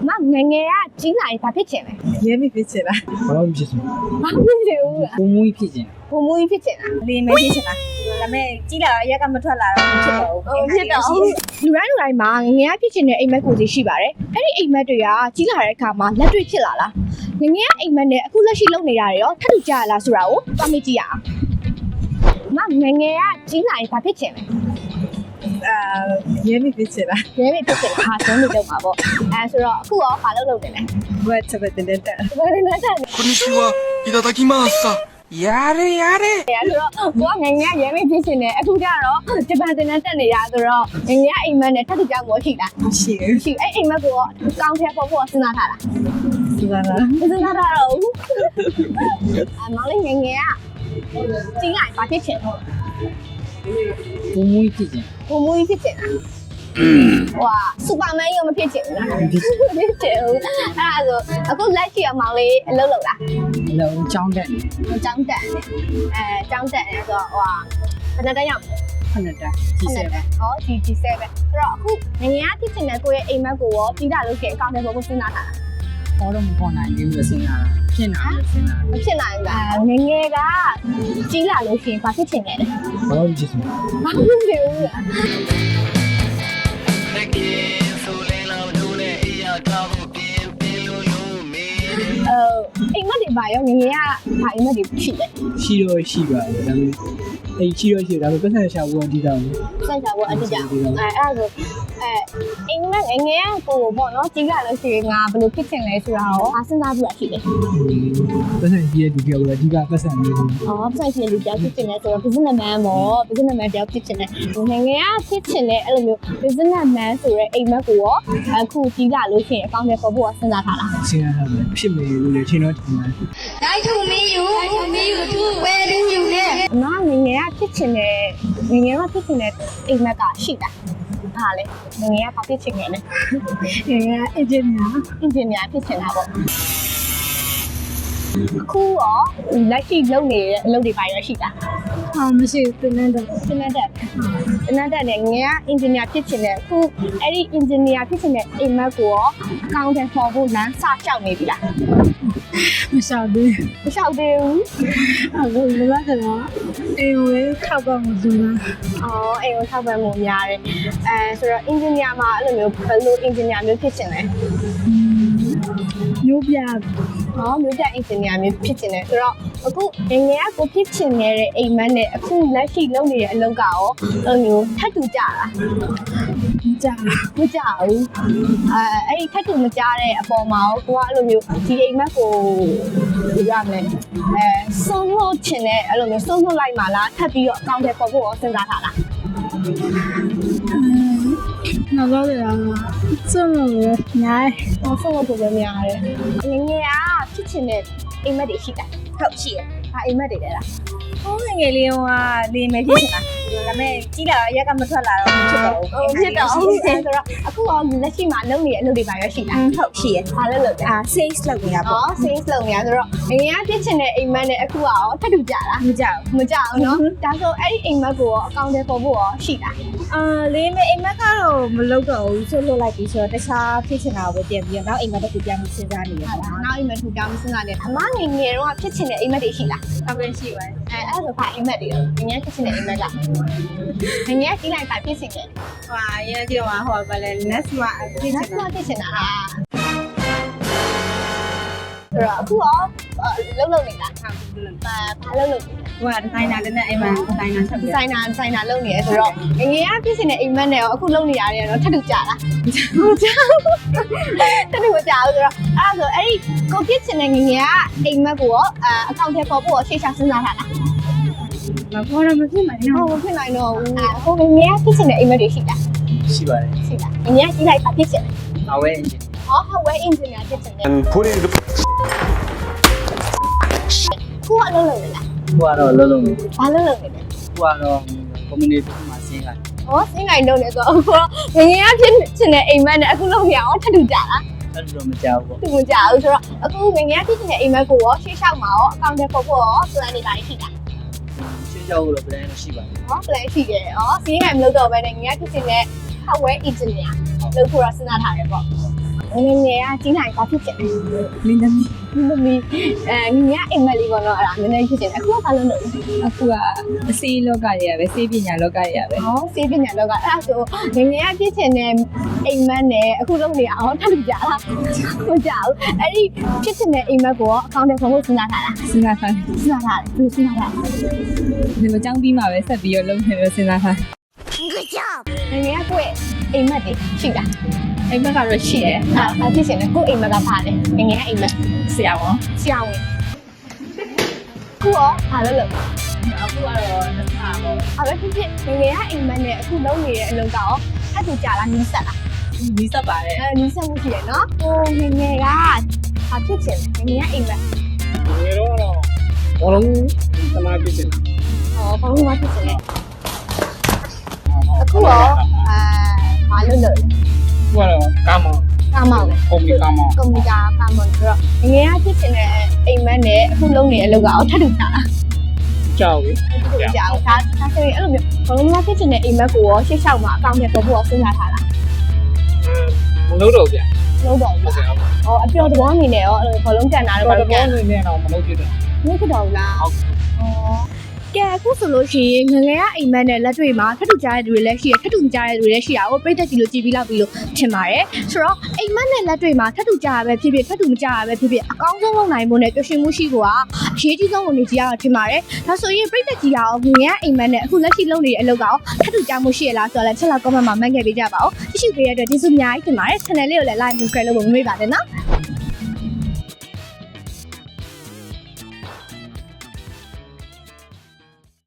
မငငယ်ကကြီးလာရင်ဘာဖြစ်ချင်လဲရဲမိဖြစ်ချင်လားဘာမှမဖြစ်ဘူးဘာဖြစ်ချင်ဘူးလားဘုံမွေးဖြစ်ခြင်းဘုံမူကြီးဖြစ်ချင်တာလေးမဲဖြစ်ချင်လားဒါပေမဲ့ကြီးလာတော့ရက်ကမထွက်လာတော့ဖြစ်တော့ဟုတ်ဖြစ်တော့လူတိုင်းမှာငငယ်ကဖြစ်ချင်တဲ့အိမ်မက်ကိုစီရှိပါတယ်အဲ့ဒီအိမ်မက်တွေကကြီးလာတဲ့အခါမှာလက်တွေ့ဖြစ်လာလားငငယ်ကအိမ်မက်နဲ့အခုလက်ရှိလုပ်နေတာတွေရောထပ်တူကြရလားဆိုတာကိုသွားမေးကြည့်ရအောင်မငငယ်ကကြီးလာရင်ဘာဖြစ်ချင်လဲရဲမိဖြစ်ချင်လားရဲမေဖြစ်ချင်တာဟာဆုံးနေတော့မှာပေါ့အဲဆိုတော့အခုရောဘာလုပ်နေလဲဘယ်ချက်ပဲတင်တဲ့ဘာလဲနဲ့တက်နေこんにちは。いただきます。やれやれ。 ရဆိုတော့ကိုကငငယ်ကရဲမေဖြစ်ချင်တယ်အခုကျတော့ဂျပန်တင်တက်နေရဆိုတော့ငငယ်ကအိမ်မက်နဲ့ထပ်တူကြမို့ရှိလားရှိတယ်ရှိအဲ့အိမ်မက်ကိုကောင်းထဲပေါ်ဖို့စဉ်းစားထားတာဒီပါလားစဉ်းစားထားတော့မောင်လေးငငယ်ကကြီးလိုက်ဘာဖြစ်ချင်လဲဘုံမွေးဖြစ်ခြင်းဘုံမူကြီးဖြစ်ချင်တာဟွာစူပါမန်ရောမဖြစ်ချင်ဘူးလားဖြစ်ချင်ဘူးအဲ့ဒါဆိုအခုလက်ရှိအမောင်လေးအလုပ်လုပ်လားအလုံးချောင်းတက်နေကျောင်းတက်တယ်ကျောင်းတက်တယ်ဆိုတော့ဟွာဘယ်နှစ်တန်းရောက်ခဏတက်ကြီးစဲပဲဟော G7 ပဲဆိုတော့အခုငငယ်ကဖြစ်ချင်တဲ့ကိုယ့်ရဲ့အိမ်မက်ကိုရောပြီးတာလို့ရှိရင်အကောင့်ထဲပေါ်ကိုစဉ်းစားထားတာဟောတော့မပေါ်နိုင်ဘူးလို့စဉ်းစားတာဖြစ်နာလို့စဉ်းစားမဖြစ်နိုင်ဘူးလားငငယ်ကကြီးလာလို့ရှိရင်ဘာဖြစ်ချင်လဲဘာမှမဖြစ်ဘူးဘာဖြစ်ချင်ဘူးလား အိမ်မက်တွေပါရောငငယ်ကဘာအိမ်မက်တွေရှိလဲရှိတော့ရှိပါတယ်ဒါပေမဲ့အဲ့ရှိတော့ရှိဒါပေမဲ့ပတ်သက်ရှာဖို့အဓိကပဲစိုက်တာပေါ့အတိအကျအဲ့ဒါဆိုအိမ်မက်ငငယ်ကကိုပေါ့နော်ကြီးလာလို့ရှိရင်ငါဘယ်လိုဖြစ်ချင်လဲဆိုတာရောအားစဉ်းစားပြီးတာရှိတယ်ပတ်သက်ကြီးရဲ့ဒီပြောလို့အဓိကပတ်သက်နေတယ်အော်စိုက်ချင်လူတယောက်ဖြစ်ချင်တယ်ဆိုတော့ business man ပေါ့ business man တယောက်ဖြစ်ချင်တယ်ငငယ်ကဖြစ်ချင်တဲ့အဲ့လိုမျိုး business man ဆိုတဲ့အိမ်မက်ကိုရောအခုကြီးလာလို့ရှိရင်အကောင့်ထဲပေါ်ဖို့စဉ်းစားထားလားစဉ်းစားထားတယ်ဖြစ်မယ်လို့လည်းချိန်တော့ထင်တယ်来土没有，没有土，外人有的。 အမငငယ်ကဖြစ်ချင်တဲ့ငငယ်ကဖြစ်ချင်တဲ့အိမ်မက်ကရှိတာဟာလေငငယ်ကဘာဖြစ်ချင်လဲငယ်ကအင်ဂျင်နီယာအင်ဂျင်နီယာဖြစ်ချင်တာပေါ့အခုရောလက်ရှိလုပ်နေတဲ့အလုပ်တွေပါရရှိတာဟာမရှိဘူးတင်တဲ့စနတ်တက်နဲ့ငယ်ကအင်ဂျင်နီယာဖြစ်ချင်တဲ့အခုအဲ့ဒီအင်ဂျင်နီယာဖြစ်ချင်တဲ့အိမ်မက်ကိုရောအကောင့်ထဲပေါ်ဖို့လမ်းစကြောက်နေပြီလားမရှောက်သေးမလျှောက်သေးဘူးအခုလောလောဆယ်တော့အိမ်ဝဲခောက်တော့မသူလားအော်အိမ်ကိုထောက်ပံ့မှုများတယ်ဆိုတော့အင်ဂျင်နီယာမှာအဲ့လိုမျိုးဘယ်လိုအင်ဂျင်နီယာမျိုးဖြစ်ချင်လဲမျိုးပြဟောမြို့တက်အင်ဂျင်နီယာမျိုးဖြစ်ချင်တယ်ဆိုတော့အခုငငယ်ကကိုဖြစ်ချင်နေတဲ့အိမ်မက်နဲ့အခုလက်ရှိလုပ်နေတဲ့အလုပ်ကရောအဲ့လိုမျိုးထပ်တူကြတာကြာမကြဘူးအဲ့ဒီထပ်တူမကြတဲ့အပေါ်မှာရောကိုကအဲ့လိုမျိုးဒီအိမ်မက်ကိုရမယ်ဆုံးလို့ချင်တဲ့အဲ့လိုမျိုးဆုံးလို့လိုက်မှလားထပ်ပြီးတော့အကောင့်ထဲပေါ်ဖို့ရောစဉ်းစားထားလားနောက်တော့လည်းစွန့်လို့ရညာဟောဆုံးလို့ပုံပဲများတယ်ငငယ်ကဖြစ်ချင်တဲ့အိမ်မက်တွေရှိတာဟုတ်ရှိရဟာအိမ်မက်တွေလဲလားဟိုငယ်လေးကလေးမဲဖြစ်ချင်လားဒါပေမဲ့ကြီးလာတော့ရက်ကမထွက်လာတော့ဖြစ်တော့ဖြစ်တော့ဆိုတော့အခုရောလက်ရှိမှာလုပ်နေတဲ့အလုပ်တွေပါရရှိတာဟုတ်ရှိရဘာလို့လုပ်လဲ sales လုပ်နေရပေါ့ sales လုပ်နေရဆိုတော့ငငယ်ကဖြစ်ချင်တဲ့အိမ်မက်နဲ့အခုကရောထပ်တူကြလားမကြောက်မကြအောင်နော်ဒါဆိုအဲ့ဒီအိမ်မက်ကိုရောအကောင့်ထဲပေါ်ဖို့ရောရှိတာလေးမဲအိမ်မက်ကတော့မလုပ်တော့ဘူးဆွလွတ်လိုက်ပြီဆိုတော့တခြားဖြစ်ချင်တာကိုပဲပြင်ပြီးတော့နောက်အိမ်မက်တစ်ခုပြန်ပြီးစဉ်းစားနေရတာနောက်အိမ်မက်ထူတောင်းစဉ်းစားနေအမငငယ်တော့ဖြစ်ချင်တဲ့အိမ်မက်တွေရှိလားဟုတ်ကဲ့ရှိပါတယ်အဲ့ဒါဆိုဘာအိမ်မက်တွေရောငငယ်ဖြစ်ချင်တဲ့အိမ်မက်ကငငယ်ကြီးလိုက်ပါဖြစ်ချင်တယ်ဟိုရင်းကြည့်တော့ဟိုဘာလဲ next မှာဖြစ်ချနင်က်တာစဖြစ်ချင်တာဟာဆိုတော့အခုရောလုံးနေတာဘာလုံးလဲဟိုကဒီဇိုင်နာလည်းနဲ့အိမ်မှာဒီဇိုင်နာချက်ပြဆိုင်နာလုပ်နေရဆိုတော့ငငယ်ကဖြစ်နေတဲ့အိမ်မက်နဲ့ရောအခုလုပ်နေရတယ်တော့ထပ်တူကြလားမကြဘူးထပ်တူမကြဘူးဆိုတော့အဲ့ဒါဆိုအဲ့ဒီကိုဖြစ်နေတဲ့ငငယ်ကအိမ်မက်ကိုရောအကောင့်ထဲပေါ်ဖို့ရောရှေ့ချစဉ်းစားထားလားမပေါ်တော့မဖြစ်နိုင်ဟုတ်မဖြစ်နိုင်တော့ဘူးဟိုငငယ်ကဖြစ်နေတဲ့အိမ်မက်တွေရှိတာရှိပါတယ်ရှိတာငငယ်ကကြီးလိုက်ပါဖြစ်ချင်တယ်အဝဲအင်ဂျင်ဟော hardware engineer ဖြစ်ချင်တယ် put it ခုကအလုပ်လုပ်နေလားဟိုကတော့လုံးလုံးဟိုဘာလုပ်လုပ်နေလဲကတော့ community မှာဆင်းလာဟောစင်းနိုင်လုပ်နေဆိုတော့ငငယ်ကဖြစ်ချင်တဲ့အိမ်မက်နဲ့အခုလုပ်နေအောင်ထပ်တူကြလားအဲ့လိုမကြောက်ဘူးသူမကြဘူးဆိုတော့အခုငငယ်ကဖြစ်ချင်တဲ့အိမ်မက်ကိုရောရှေ့လျှောက်မှာရောအကောင့်ထဲပေါ်ဖို့ရော plan တွေပါရှိတာရှင်းကြောက်လို့ plan ရှိပါတယ်ဟော plan ရှိတယ်။စင်းနိုင်မလို့တော့ပဲငငယ်ကဖြစ်ချင်တဲ့ hardware engineer လုပ်ဖို့ရစဉ်းစားထားတယ်ပေါ့။ငယ်ငယ်ကကြီးနိုင်ဘာဖြစ်ချင်လဲမင်းသမီးမမီငယ်ငယ်အိမ်မက်လေးပေါ့နော်အဲ့ဒါနည်းနည်းဖြစ်ချင်တယ်အခုကဘာလို့လဲအခုကအစေးလောကတွေကပဲစေးပညာလောကတွေကပဲဟောစေးပညာလောကအဲ့ဒါဆိုငယ်ငယ်ကဖြစ်ချင်တဲ့အိမ်မက်နဲ့အခုလုပ်နေအောင်ထပ်လို့ကြာလားမကြောက်အဲ့ဒီဖြစ်ချင်တဲ့အိမ်မက်ကိုအကောင့်ထဲပုံလို့စဉ်းစားထားတာစဉ်းစားထားစဉ်းစားထားတယ်သူစဉ်းစားထားဒီမကြောင်းပြီးမှပဲဆက်ပြီးတော့လုပ်နေလို့စဉ်းစားထားငယ်ငယ်ကကိုယ့်အိမ်မက်တွေရှိတာအိမ်မက်ကတော့ရှိတယ်ဘာဖြစ်ချင်လဲကိုယ့်အိမ်မက်ကဘာလဲငယ်ငယ်အိမ်မက်ဆရာဝန်ဆရာဝန်ခုရောဘာလို့လဲအခုကတော့တစ်ခါပေါ့အဲ့ဒါဖြစ်ဖြစ်ငယ်ငယ်ကအိမ်မက်နဲ့အခုလုပ်နေတဲ့အလုပ်ကရောအဲ့သူကြာလားနီးစက်လားဒီစပ်ပါတယ်နီးစက်မှုရှိရနော်ဟိုငယ်ငယ်ကဘာဖြစ်ချင်လဲငယ်ငယ်ကအိမ်မက်ငယ်တော့ဘောလုံးသမားဖြစ်တယ်ဟောဘာလို့မဖြစ်ချင်လဲအခုရောဘာလို့လဲသူကတော့ကာမောကာမောင်လေကွန်ပျူတာမောကွန်ပျူတာကာမောင်ဆိုတော့ငယ်ငယ်ကဖြစ်ချင်တဲ့အိမ်မက်နဲ့အခုလုပ်နေတဲ့အလုပ်ကရောထပ်တူကြာလားကြောက်ပြီကြာဘူးဒါဆိုရင်အဲ့လိုမျိုးဘာလို့မဖြစ်ချင်တဲ့အိမ်မက်ကိုရောရှေ့လျှောက်မှာအကောင့်ထဲပေါ်ဖို့ရောစဉ်းစားထားလားမလုပ်တော့ဗျာလုံးတော့ဘူးလားဟောအပျော်သဘောအနေနဲ့ရောအဲ့လိုဘောလုံးကန်တာတော့ဘာဘာလို့လို့ကောကန်င်းနေလဲတော့မလုပ်ဖြစ်တော့မဖြစ်တော့ဘူးလားဟုတ်ကဲအခုဆိုလို့ရှိရင်ငငယ်ကအိမ်မက်နဲ့လက်တွေ့မှာထပ်တူကြားတဲ့သူတွေလည်းရှိရထပ်တူမကြားတဲ့သူတွေလည်းရှိရဟိုပြိသက်ကြည့်လို့ကြည်ပြီးလောက်ပြီးလို့ထင်ပါတယ်ဆိုတော့အိမ်မက်နဲ့လက်တွေ့မှာထပ်တူကြားရပဲဖြစ်ဖြစ်ထပ်တူမကြားရပဲဖြစ်ဖြစ်အကောင်းဆုံးလုပ်နိုင်ဖို့နဲ့ပျော်ရွှင်မှုရှိဖို့ကအရေးကြီးဆုံးဝင်နေကြရတော့ထင်ပါတယ်ဒါဆိုရင်ပြိသက်ကြည့်ရအောင်ငငယ်ကအိမ်မက်နဲ့အခုလက်ရှိလုပ်နေတဲ့အလုပ်ကရောထပ်တူကြားမှုရှိရလားဆိုတော့လည်းချက်လောက် comment မှာမှတ်ခဲ့ပေးကြပါဦးကြည့်ရှုပေးရတဲ့ကျေးဇူးအများကြီးတင်ပါတယ် channel လေးကိုလည်း like subscribe လုပ်ဖို့မမေ့ပါနဲ့နော်